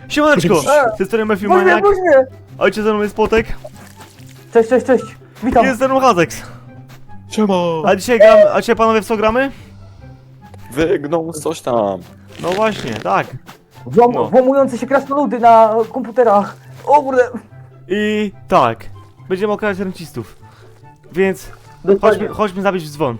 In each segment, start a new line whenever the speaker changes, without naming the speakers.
Siemaneczko! Z tej strony Matthew
Puść mnie,
Maniak.
puść mnie!
Ojciec ze mną jest Potek.
Cześć, cześć, cześć! Witam!
Jest ze mną Hazex.
Siema!
A dzisiaj panowie w co gramy?
Wygnął coś tam.
No właśnie, tak. No.
Włamujące się krasnoludy na komputerach! O kurde!
I tak. Będziemy okradać rencistów. Więc
Dokładnie.
chodźmy zabić w dzwon.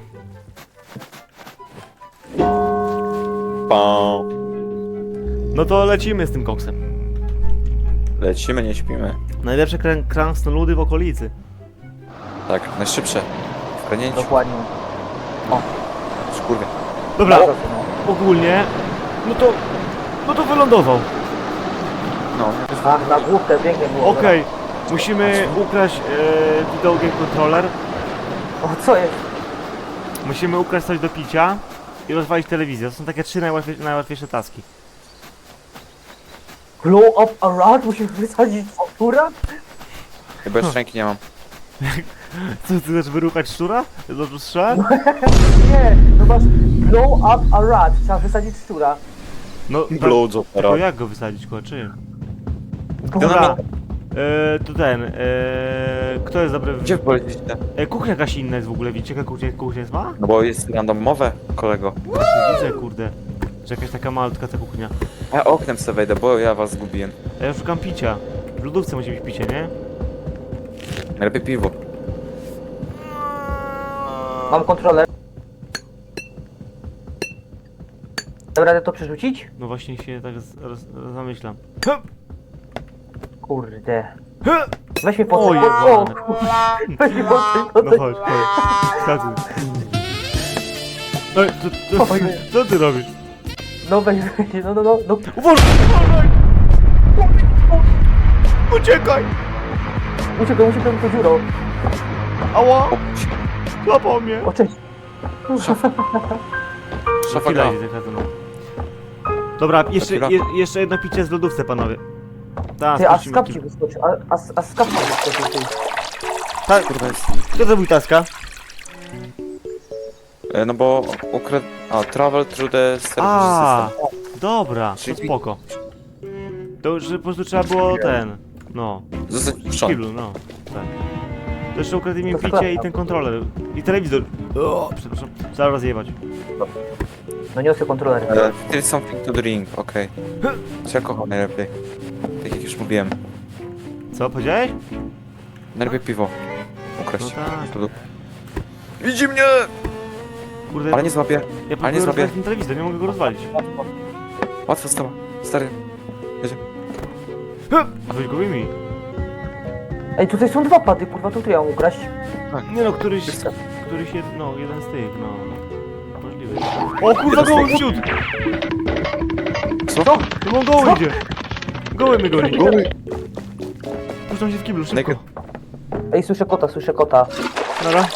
Pam.
No to lecimy z tym koksem.
Lecimy, nie śpimy.
Najlepsze krasnoludy w okolicy.
Tak, najszybsze. W kranięciu.
Dokładnie.
Szkurwie.
Dobra,
Proszę, no.
ogólnie. No to wylądował.
No,
Ach, na główkę pięknie było.
Okej. Musimy ukraść video game controller.
O, co jest?
Musimy ukraść coś do picia i rozwalić telewizję. To są takie trzy najłatwiejsze taski.
Blow up a rat? Musimy wysadzić szczura?
chyba jeszcze ręki nie mam.
Co, ty chcesz wyruchać szczura? Dobrze strzelałem?
Nie, no masz blow up a rat. Trzeba wysadzić szczura.
No,
Blow
to
opera.
jak go wysadzić, kurwa, czym?
Dobra.
Dobra, to ten, kto jest dobry w...
Gdzie polecicie?
Kuchnia jakaś inna jest w ogóle, widzicie jaka kuchnia jest ma?
No bo jest randomowe, kolego.
Właśnie widzę, kurde. Że jakaś taka malutka ta kuchnia.
Ja oknem sobie wejdę, bo ja was zgubiłem.
A ja szukam picia. W lodówce musi być picie, nie?
Najlepiej piwo.
Mam kontroler. Dobra, radę to przerzucić?
No właśnie się tak zamyślam.
Kurde. Weź mnie po
O,
tym.
jebane.
Weź mnie po tym, po
No
tym.
chodź, chodź. Skacuj. Ej, co ty robisz?
No weź, no.
Uważaj! Uciekaj!
Uciekaj tą dziurą.
Ała! Złapał mnie!
O, cześć.
Szafa
Chwila
gra.
idzie taka no. Dobra,
Chwila.
jeszcze jedno picie z lodówce, panowie. Tak,
Ty, a z kapci wyskoczy, a z kapci wyskoczy, ty.
Tak,
Kurwa jest.
kto zrobił taska?
No bo ukradł... A, travel through the service
A,
system.
dobra, to
Czyli-
spoko. To, że po prostu trzeba było ten, no,
Zostać
w
puszczony.
kiblu, no, tak. To jeszcze ukradli mi
To
picie
prawda.
i ten kontroler, i telewizor. O, przepraszam, trzeba rozjebać.
No niosę kontroler.
Still something to drink, okej. Co ja kocham najlepiej? Tak jak już mówiłem.
Co, powiedziałeś?
Najlepiej piwo. Ukraść.
No tak.
To- Widzi mnie!
Kurde,
Ale nie złapię.
ja
ale nie
próbuję
zrobię.
rozwalić ten telewizor, nie mogę go rozwalić.
Łatwo stało. Stary.
A weź go wyjmij.
Ej, tutaj są dwa pady, kurwa, to tu ja mam ukraść.
Nie no, któryś no, jeden z tych, no. Możliwy. O kurwa, goły wciut!
Co?
No on goły idzie! Goły mnie goni.
Goły.
Puszczam się w kiblu, szybko.
Naked.
Ej, słyszę kota.
Dobra.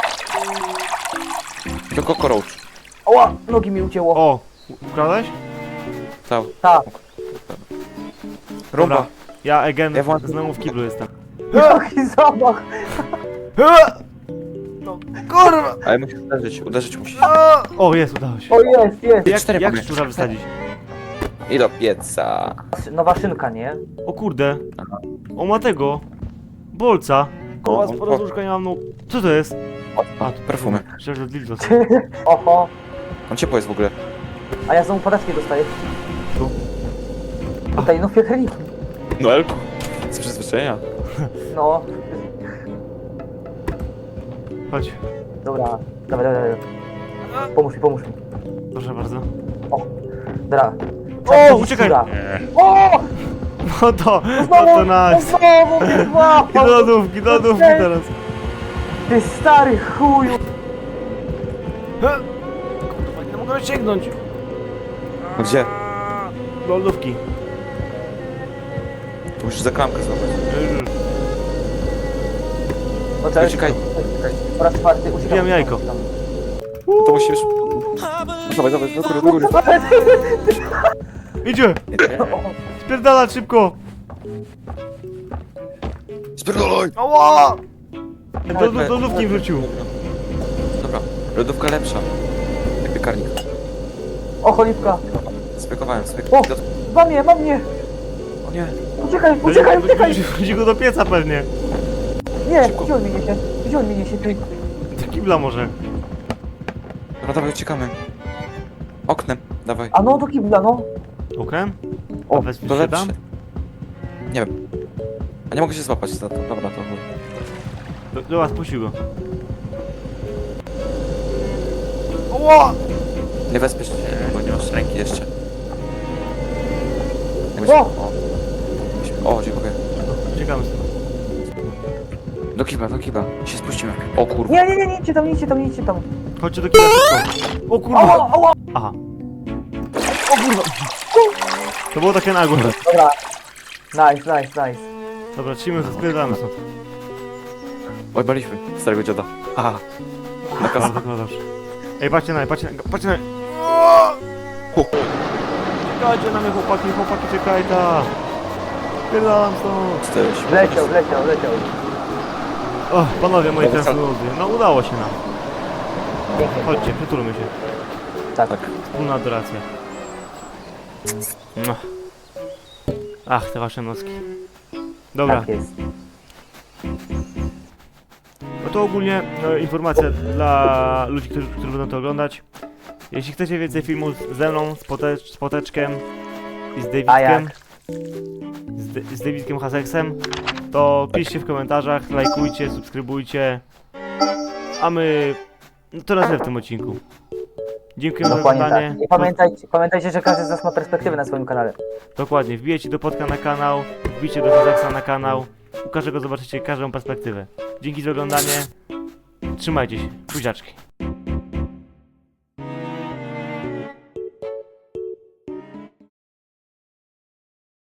To cockroach.
Oła, nogi mi ucięło.
O, ukradłeś?
Stał.
Tak.
Rumba.
Dobra. Ja again,
Ja włączę-
znowu w kiblu jestem.
Jaki zamach.
No, kurwa!
Ale musisz uderzyć musisz.
O, jest, udało się.
O, jest.
Jak,
cztery
jak
mamy.
szczura wysadzić?
I do pieca.
Nowa szynka, nie?
O kurde. O, ma tego. Bolca. Koła z podróżka nie mam, no. Co to jest?
A, tu perfumy.
Myślę, że dildo.
Oho.
On ciepło jest w ogóle.
A ja znowu padaczki dostaję.
Tu.
Tutaj, no piekarnik.
No Elku. Z przyzwyczajenia.
No.
Chodź.
Dobra. Dawaj. Pomóż mi.
Proszę bardzo.
Dobra.
O, uciekaj!
O!
No to
Znowu
nice.
mnie złapał.
I do lodówki teraz.
Ty stary chuju.
Kurwa, nie mogę sięgnąć.
No gdzie?
Do lodówki.
Tu musisz za klamkę złapać.
No cześć.
Uciekaj.
Po raz czwarty uciekam.
Wbijam jajko.
To musisz... Dawaj, do góry.
Idzie! Spierdalać szybko!
Spierdolaj!
Ała! Do lodówki wrócił.
Dobra, lodówka lepsza. Jak piekarnik.
O, cholipka.
Spekowałem.
O, mam mnie.
Nie.
Uciekaj, uciekaj, uciekaj!
Wrzuci go do pieca pewnie.
Nie, gdzie on mnie niesie? Gdzie on mnie niesie? Ty.
Do kibla może.
Dobra, dawaj, uciekamy. Oknem, dawaj.
A no, do kibla, no.
Oknem?
O,
A wezmij
To
się
lepsze.
tam?
Nie wiem. A nie mogę się złapać za to. Dobra, to
Dobra, spuścił go. Oło!
nie wezpiesz się, bo nie masz ręki jeszcze.
O!
O, dziękuję.
Czekamy stąd.
Do kiba, się spuścimy. O kurwa.
Nie, nie, nie, nie idźcie tam, nie idźcie tam, nie idźcie tam.
Chodźcie do kibla szybko. O kurwa!
Ała, ała!
Aha. O kurwa! To było takie nagłe.
Dobra. Nice, nice, nice.
Dobra, trzymaj się, spierdamy stąd.
Oj, baliśmy starego dziada. Aha. Na kasę.
No dobrze. Ej, patrzcie na mnie, patrzcie na mnie, patrzcie na mnie. Czekajcie na mnie, chłopaki, czekaj ta. Spierdalam stąd.
Stoisz.
Wleciał, wleciał, wleciał.
O, panowie moi
Dobra,
krasnoludy, no udało się nam.
Pięknie.
Chodźcie, przytulmy się.
Tak.
Wspólna adoracja. No. Ach, te wasze noski. Dobra,
Tak jest.
no to ogólnie informacja dla ludzi, którzy będą to oglądać. Jeśli chcecie więcej filmów ze mną, z Poteczkiem i z
A jak?
Davidkiem, z Davidkiem Haseksem, to piszcie w komentarzach, lajkujcie, subskrybujcie, a my no to na tyle w tym odcinku. Dziękuję za
Dokładnie
oglądanie.
tak. I pamiętajcie, że każdy z nas ma perspektywę na swoim kanale.
Dokładnie, wbijecie do Potka na kanał, wbijcie do Haseksa na kanał, u każdego zobaczycie każdą perspektywę. Dzięki za oglądanie, trzymajcie się, buziaczki.